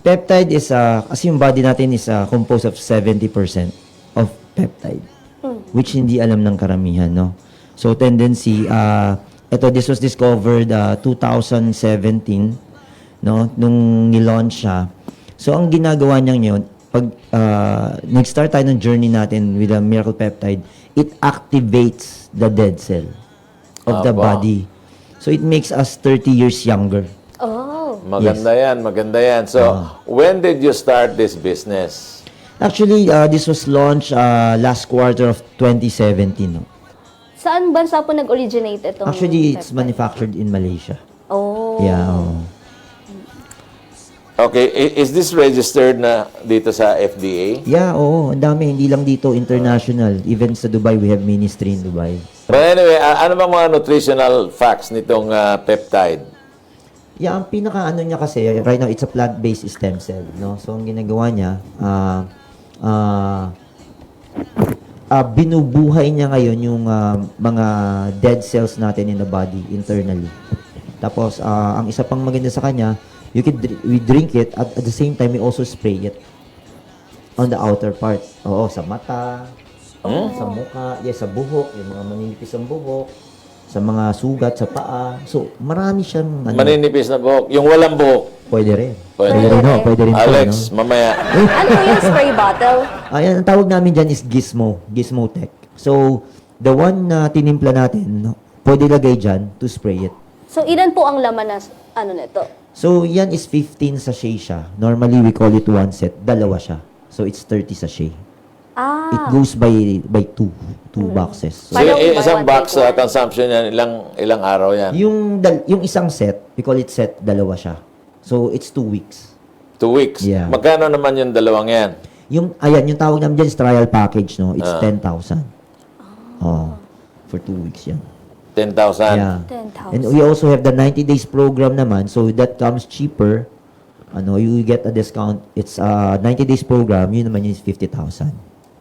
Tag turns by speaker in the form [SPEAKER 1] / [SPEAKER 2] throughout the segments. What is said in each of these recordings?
[SPEAKER 1] Peptide is, kasi yung body natin is composed of 70% of peptide, which hindi alam ng karamihan, no? So, tendency, this was discovered 2017, no? Nung nilaunch siya. So, ang ginagawa niya ngayon, pag nag-start tayo ng journey natin with a miracle peptide, it activates the dead cell of the body. So, it makes us 30 years younger.
[SPEAKER 2] Oh.
[SPEAKER 3] Maganda yan, maganda yan. So, when did you start this business?
[SPEAKER 1] Actually, this was launched last quarter of 2017. No?
[SPEAKER 2] Saan bansa po nag-originate itong
[SPEAKER 1] Actually, it's
[SPEAKER 2] peptide?
[SPEAKER 1] manufactured in Malaysia.
[SPEAKER 2] Oh.
[SPEAKER 1] Yeah.
[SPEAKER 3] Okay, is this registered na dito sa FDA?
[SPEAKER 1] Yeah, oo. Ang dami. Hindi lang dito, international. Even sa Dubai, we have ministry in Dubai.
[SPEAKER 3] But anyway, ano bang mga nutritional facts nitong peptide?
[SPEAKER 1] Yeah, ang pinaka-ano niya kasi, right now, it's a plant-based stem cell. No? So, ang ginagawa niya, binubuhay niya ngayon yung mga dead cells natin in the body, internally. Tapos, ang isa pang maganda sa kanya, we drink it, at the same time, we also spray it on the outer part. Oo, sa mata, sa mukha, sa buhok, yung mga maninipis ang buhok, sa mga sugat, sa paa. So, marami siyang...
[SPEAKER 3] Maninipis na buhok. Yung walang buhok.
[SPEAKER 1] Pwede rin.
[SPEAKER 3] Pwede
[SPEAKER 1] Pwede rin, no? Pwede rin po,
[SPEAKER 3] Alex,
[SPEAKER 1] no?
[SPEAKER 3] mamaya.
[SPEAKER 2] Ano yung spray bottle?
[SPEAKER 1] Ayan, ang tawag namin dyan is Gizmo. Gizmo Tech. So, the one na tinimpla natin, no, pwede lagay dyan to spray it.
[SPEAKER 2] So, ilan po ang laman na nito?
[SPEAKER 1] So, yan is 15 sachet siya. Normally, we call it one set. Dalawa siya. So, it's 30 sachet. It goes by two boxes. So,
[SPEAKER 3] So,
[SPEAKER 2] Parang
[SPEAKER 3] isang
[SPEAKER 2] buy one,
[SPEAKER 3] box
[SPEAKER 2] take one.
[SPEAKER 3] consumption yan, ilang araw yan?
[SPEAKER 1] yung isang set, we call it set, dalawa siya. So, it's 2 weeks.
[SPEAKER 3] 2 weeks.
[SPEAKER 1] Yeah.
[SPEAKER 3] Magkano naman yung dalawang yan?
[SPEAKER 1] Yung tawag namin dyan is trial package, no? It's 10,000. Oh, for 2 weeks yan.
[SPEAKER 3] 10,000.
[SPEAKER 1] Yeah.
[SPEAKER 2] 10,000.
[SPEAKER 1] And we also have the 90 days program naman, so that comes cheaper. You get a discount. It's 90 days program, yun naman is 50,000.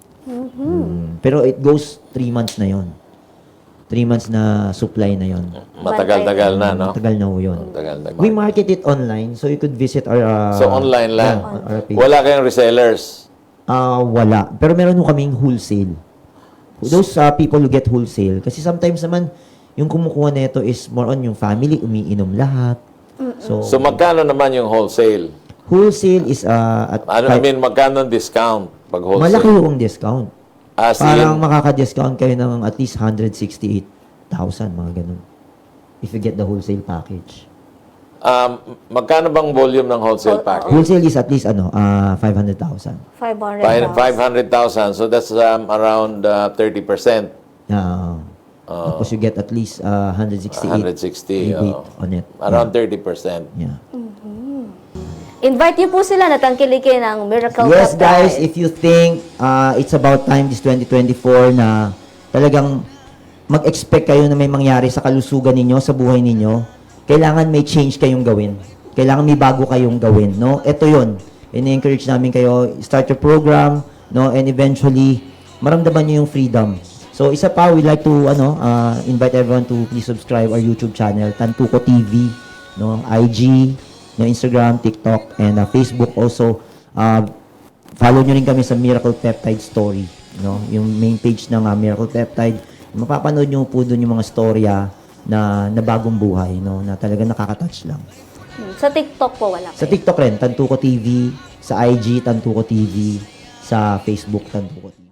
[SPEAKER 1] Pero it goes 3 months na yon. 3 months na supply na yon.
[SPEAKER 3] Matagal-tagal na, no?
[SPEAKER 1] Tagal na ho yun.
[SPEAKER 3] Matagal-tagal.
[SPEAKER 1] We market it online, so you could visit our...
[SPEAKER 3] So, online lang?
[SPEAKER 1] our page.
[SPEAKER 3] Wala kayong resellers?
[SPEAKER 1] Wala. Pero meron ho kaming wholesale. Those people who get wholesale. Kasi sometimes naman, yung kumukuha nito is more on yung family, umiinom lahat.
[SPEAKER 3] So, magkano naman yung wholesale?
[SPEAKER 1] Wholesale is at
[SPEAKER 3] Magkano ang discount pag wholesale?
[SPEAKER 1] malaki yung discount.
[SPEAKER 3] As
[SPEAKER 1] Parang
[SPEAKER 3] in,
[SPEAKER 1] makaka-discount kayo ng at least 168,000, mga ganun. If you get the wholesale package.
[SPEAKER 3] magkano bang volume ng wholesale package?
[SPEAKER 1] Wholesale is at least 500,000.
[SPEAKER 2] 500,000.
[SPEAKER 3] 500,000. So, that's around 30%.
[SPEAKER 1] Tapos you get at least 168
[SPEAKER 3] 160.
[SPEAKER 1] rebate on it.
[SPEAKER 3] Around 30%.
[SPEAKER 1] Yeah.
[SPEAKER 2] Invite niyo po sila na tangkilikin ang Miracle
[SPEAKER 1] Yes,
[SPEAKER 2] Peptide.
[SPEAKER 1] guys, if you think it's about time this 2024 na talagang mag-expect kayo na may mangyari sa kalusugan ninyo, sa buhay ninyo, kailangan may change kayong gawin. Kailangan may bago kayong gawin, no? Ito 'yon. Ini-encourage namin kayo, start your program, no? And eventually, maramdaman niyo yung freedom. So, isa pa, we'd like to invite everyone to please subscribe our YouTube channel, Tantuko TV, no? IG, no, Instagram, TikTok, and Facebook also. Follow nyo rin kami sa Miracle Peptide Story, no? Yung main page ng Miracle Peptide. Mapapanood nyo po doon yung mga storya na bagong buhay, no? Na talaga nakaka-touch lang.
[SPEAKER 2] Sa TikTok po wala
[SPEAKER 1] Sa
[SPEAKER 2] kayo?
[SPEAKER 1] TikTok rin, Tantuko TV. Sa IG, Tantuko TV. Sa Facebook, Tantuko TV.